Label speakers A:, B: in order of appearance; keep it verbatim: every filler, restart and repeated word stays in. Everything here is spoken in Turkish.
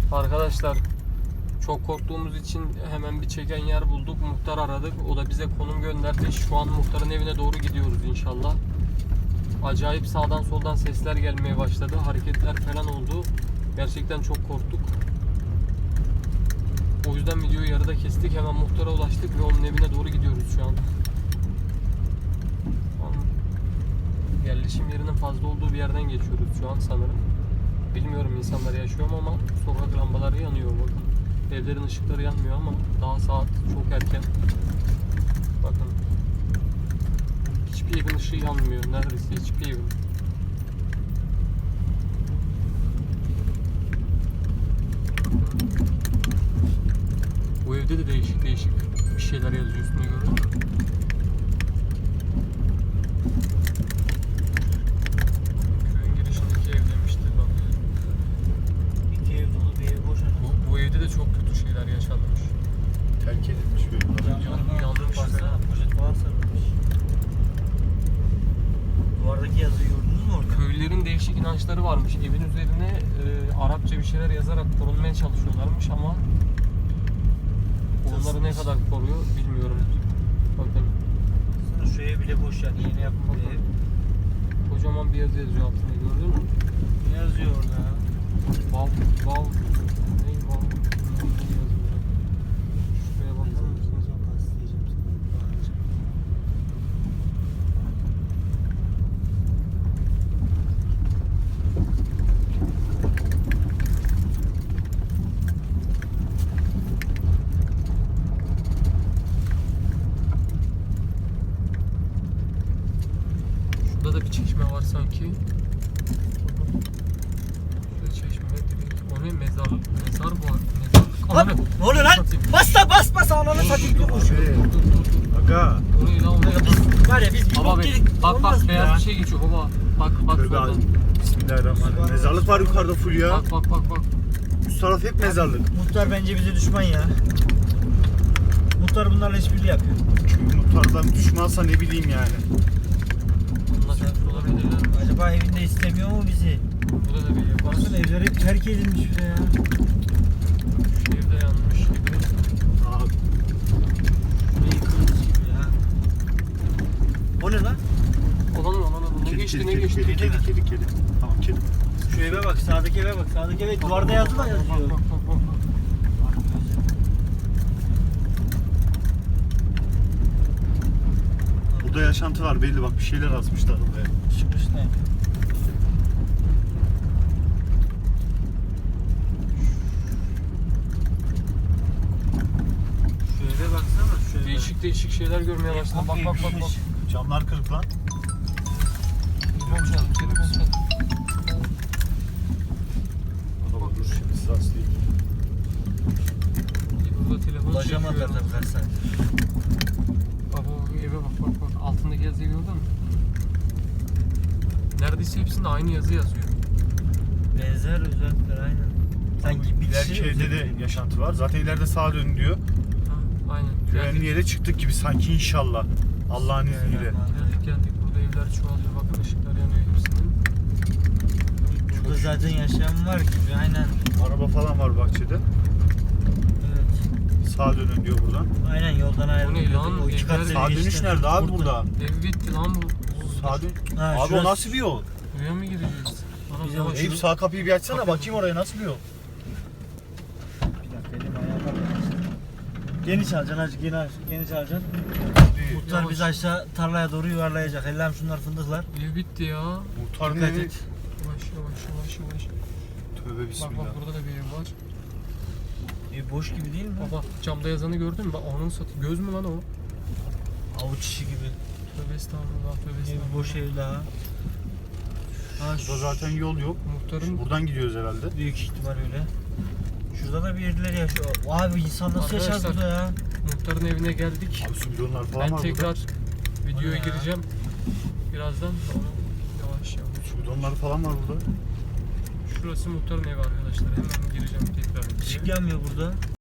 A: Arkadaşlar çok korktuğumuz için hemen bir çeken yer bulduk. Muhtar aradık. O da bize konum gönderdi. Şu an muhtarın evine doğru gidiyoruz inşallah. Acayip sağdan soldan sesler gelmeye başladı. Hareketler falan oldu. Gerçekten çok korktuk. O yüzden videoyu yarıda kestik. Hemen muhtara ulaştık ve onun evine doğru gidiyoruz şu an. Yerleşim yerinin fazla olduğu bir yerden geçiyoruz şu an sanırım. Bilmiyorum insanlar yaşıyor mu ama sokak lambaları yanıyor bakın. Evlerin ışıkları yanmıyor ama daha saat çok erken. Bakın. Hiçbir evin ışığı yanmıyor. Neredeyse hiçbir evin. Bu evde de değişik değişik bir şeyler yazıyor üstüne, gördün mü? Köyün girişindeki ev demişti bak.
B: İki ev dolu, bir ev boş.
A: Bu, bu evde de çok kötü şeyler yaşanmış.
C: Terk edilmiş böyle.
B: Camlarına
A: yanlış
B: baksana, poşet falan sarılmış. Duvardaki yazıyı gördünüz mü orada?
A: Köylülerin değişik inançları varmış. Evin üzerine e, Arapça bir şeyler yazarak korunmaya çalışıyorlarmış ama onları ne kadar koruyor bilmiyorum. Bakın.
B: Aslında şu ev bile boş yani, yeni yapılmış bir ev.
A: Kocaman bir yazı yazıyor altında, gördün mü?
B: Ne yazıyor orada?
A: Vav, vav, ne vav, ne yazıyor? Şuraya bakar mısınız? Şurada da bir çeşme var sanki. Şurada çeşme. O ne? Mezarlık. Mezar bu. Mezarlık.
B: Lan,
A: Ananı.
B: ne oluyor lan?
A: Satayım.
B: Bas da bas bas ananı satayım bir koşuyor.
A: Dur dur dur.
C: Aga.
A: O ne lan, o ne?
B: Biz var ya biz bir
A: Baba
B: bok
A: be,
B: yedik.
A: bak
B: Olmaz
A: bak
B: mı
A: beyaz
B: ya?
A: bir şey geçiyor baba. Bak bak
C: Tövbe
A: soldan.
C: abi. Bismillahirrahmanirrahim. Mezarlık var yukarıda full ya.
A: Bak bak bak bak.
C: Üst taraf hep mezarlık.
B: Muhtar bence bize düşman ya. Muhtar bunlarla işbirliği yapıyor.
C: Muhtardan düşmansa ne bileyim yani.
A: Bununla çarpmış olabilirler mi?
B: Acaba evinde istemiyor mu bizi?
A: Burada da bir ev var.
B: Baksana evler hep terk edilmiş bile ya.
A: Şu evde yanmış gibi.
C: Aa,
B: Şurayı yıkılmış gibi ya. O ne lan?
A: Olan olan olan. Ne
C: kedi,
A: geçti
C: kedi,
A: ne
C: kedi,
A: geçti?
C: kedi,
B: Kedi mi?
C: kedi, kedi, kedi. Tamam kedi.
B: Şu eve bak, sağdaki eve bak, sağdaki eve duvarda yazılı
A: Bak,
B: yazıyor.
A: bak, bak, bak, bak.
C: Burada yaşantı var belli, bak bir şeyler asmışlar oraya.
B: Çıkmış ne? Şu eve baksana, şu eve.
A: Değişik değişik şeyler görmeye başladım. Bak bak bak bak.
C: Camlar kırık lan.
A: Telefon çaldı, telefon çaldı.
C: Baba dur şimdi size aslayayım.
A: Burada telefon
B: Ulaşamadılar
A: çekiyor.
B: tabii kaç saat.
A: Baba bak, eve bak bak bak. Altındaki yazıyı gördün mü? Neredeyse hepsinde aynı yazı yazıyor.
B: Benzer özellikler aynen. Sanki bir
C: İleriki
B: kişi
C: evde de yaşantı var. Zaten ileride sağa dön diyor.
A: Ha, aynen.
C: Güvenli
A: Geldik,
C: yere çıktık gibi sanki inşallah. Allah'ın izniyle.
A: geldik geldik. Burada evler çoğalıyor. Bakın ışıklar yanıyor hepsinin.
B: Burada zaten yaşayan var gibi aynen.
C: Araba falan var bahçede.
B: Evet.
C: Sağa dönün diyor buradan.
B: Aynen yoldan ayrılıyor.
A: lan?
B: O iki kat
A: Evler-
B: seni
C: Sağ dönüş
B: geçti.
C: nerede abi burada?
A: Ev bitti lan bu.
C: Sağ dön.
B: Ha,
C: Abi o
B: şurası-
C: nasıl bir yol?
A: Buraya mı gireceğiz? Anam
B: Bizim
A: yavaş.
C: Eyüp sağ kapıyı bir açsana, bakayım oraya nasıl bir yol?
B: Bir dakika elim ayağıma bakmasın. Geniş alacaksın azıcık, geniş, geniş alacaksın. Muhtar
A: Yavaş.
B: bizi aşağı tarlaya doğru yuvarlayacak. Ellem şunlar fındıklar.
A: Ev bitti ya.
C: Muhtarın
B: Dikkat
C: evi.
B: et.
A: Yavaş yavaş yavaş yavaş.
C: Tövbe
A: Bak
C: bismillah.
A: bak burada da bir ev var.
B: E, boş gibi değil mi?
A: Baba camda yazanı gördün mü? Bak onun satı. Göz mü lan o?
B: Avuç içi gibi.
A: Tövbe estağfurullah, tövbe
B: Bir
A: estağfurullah.
B: boş ev daha. Ha,
C: Burada zaten yol yok.
A: Muhtarın
C: Buradan gidiyoruz herhalde.
B: büyük ihtimal öyle. Şurada da birileri yaşıyor. Abi insan nasıl yaşar
A: Arkadaşlar,
B: burada ya?
A: muhtarın evine geldik.
C: Abi su bidonlar falan
A: Ben
C: var
A: tekrar
B: O
A: videoya
B: ne ya?
A: gireceğim. Birazdan sonra yavaş yavaş.
C: burada. Su bidonlar falan var burada.
A: Şurası muhtarın evi arkadaşlar. Hemen gireceğim tekrar.
B: Işık yanmıyor burada.